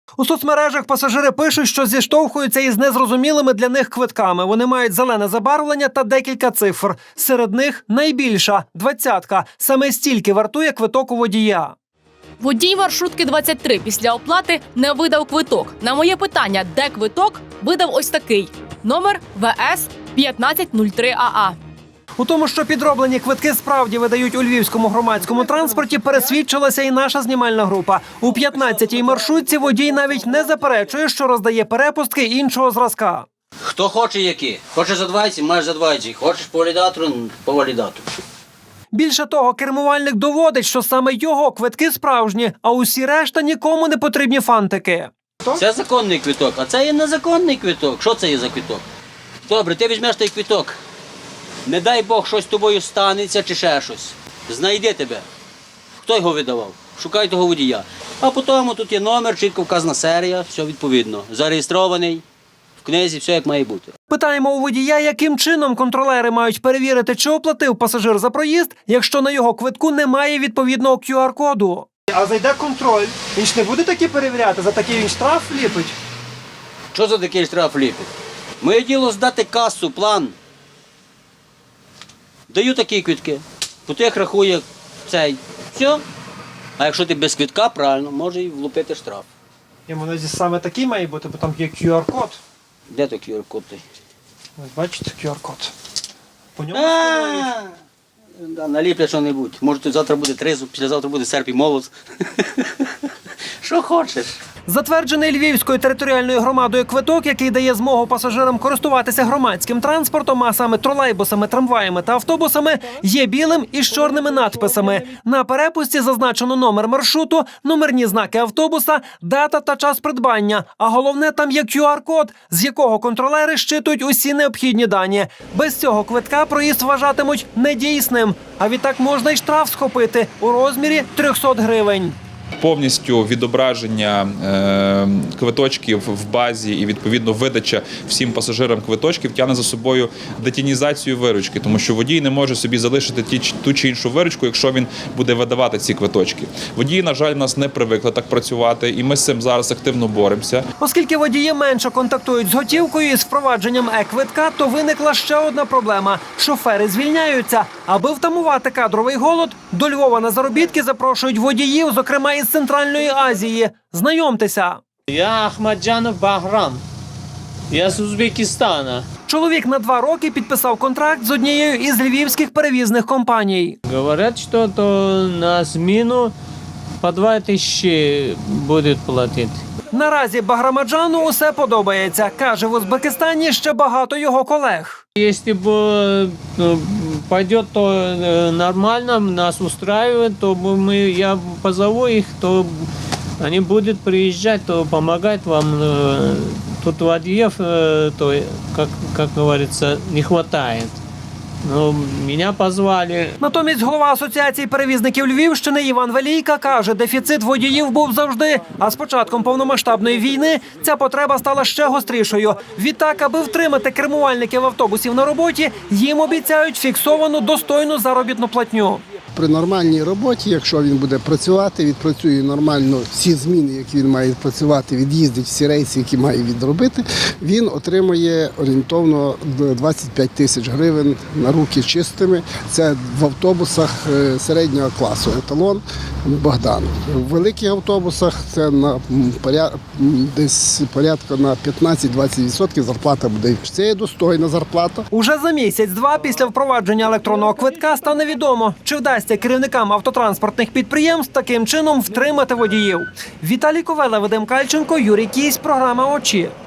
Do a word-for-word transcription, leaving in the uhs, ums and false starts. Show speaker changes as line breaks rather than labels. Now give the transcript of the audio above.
У соцмережах пасажири пишуть, що зіштовхуються із незрозумілими для них квитками. Вони мають зелене забарвлення та декілька цифр. Серед них найбільша – двадцятка. Саме стільки вартує квиток у водія.
Водій маршрутки двадцять три після оплати не видав квиток. На моє питання, де квиток, видав ось такий. Номер В С п'ятнадцять нуль три А А.
У тому, що підроблені квитки справді видають у львівському громадському транспорті, пересвідчилася і наша знімальна група. У п'ятнадцятій маршрутці водій навіть не заперечує, що роздає перепустки іншого зразка.
Хто хоче які. Хочеш за двадцять, маєш за двадцять. Хочеш по валідатору – по валідатору.
Більше того, кермувальник доводить, що саме його квитки справжні, а усі решта нікому не потрібні фантики.
Це законний квиток, а це є незаконний квиток. Що це є за квиток? Добре, ти візьмеш той квиток. Не дай Бог, щось з тобою станеться чи ще щось. Знайди тебе. Хто його видавав? Шукай того водія. А потім тут є номер, чітко вказана серія, все відповідно. Зареєстрований, в книзі, все як має бути.
Питаємо у водія, яким чином контролери мають перевірити, чи оплатив пасажир за проїзд, якщо на його квитку немає відповідного Q R коду. А зайде контроль, він ж не буде такі перевіряти, за такий він штраф ліпить?
Що за такий штраф ліпить? Моє діло здати касу, план. Даю такі квитки, по тих рахує цей. Все. А якщо ти без квитка, правильно, може і влупити штраф.
Йому навіть саме такий має бути, бо там є Q R код.
Де той Q R код?
Ось бачите, Q R код. По ньому
Да, наліплять що-небудь. Може, тут завтра буде тризуб, післязавтра буде серп і молот. Що хочеш.
Затверджений Львівською територіальною громадою квиток, який дає змогу пасажирам користуватися громадським транспортом, а саме тролейбусами, трамваями та автобусами, є білим із чорними надписами. На перепусті зазначено номер маршруту, номерні знаки автобуса, дата та час придбання. А головне, там є Q R код, з якого контролери щитують усі необхідні дані. Без цього квитка проїзд вважатимуть недійсним. А відтак можна й штраф схопити у розмірі триста гривень.
Повністю відображення е, квиточків в базі і, відповідно, видача всім пасажирам квиточків тягне за собою детінізацію виручки, тому що водій не може собі залишити ті, ту чи іншу виручку, якщо він буде видавати ці квиточки. Водії, на жаль, нас не привикли так працювати, і ми з цим зараз активно боремося.
Оскільки водії менше контактують з готівкою і з впровадженням е-квитка, то виникла ще одна проблема – шофери звільняються. Аби втамувати кадровий голод, до Львова на заробітки запрошують водіїв, зокрема із Центральної Азії. Знайомтеся.
Я Ахмаджанов Баграм. Я з Узбекистана.
Чоловік на два роки підписав контракт з однією із львівських перевізних компаній.
Говорять, що то на зміну по два тисячі будуть платити.
Наразі Баграмаджану усе подобається. Каже, в Узбекистані ще багато його колег.
Якщо б ну, пойде, то нормально, нас устраивает, то мы, я позову их, то они будут приезжать, то помогать вам. Тут водіїв, то, как, как говорится, не хватает. Ну, мене позвали.
Натомість голова Асоціації перевізників Львівщини Іван Велійка каже, дефіцит водіїв був завжди. А з початком повномасштабної війни ця потреба стала ще гострішою. Відтак, аби втримати кермувальників автобусів на роботі, їм обіцяють фіксовану достойну заробітну платню.
При нормальній роботі, якщо він буде працювати, відпрацює нормально всі зміни, які він має працювати, від'їздить всі рейси, які має відробити, він отримує орієнтовно двадцять п'ять тисяч гривень на руки чистими. Це в автобусах середнього класу, еталон Богдан. В великих автобусах це на десь порядка на п'ятнадцять-двадцять відсотків зарплата буде. Це є достойна зарплата.
Уже за місяць-два після впровадження електронного квитка стане відомо, чи вдасться керівникам автотранспортних підприємств таким чином втримати водіїв. Віталій Ковела, Вадим Кальченко, Юрій Кісь, програма «Очі».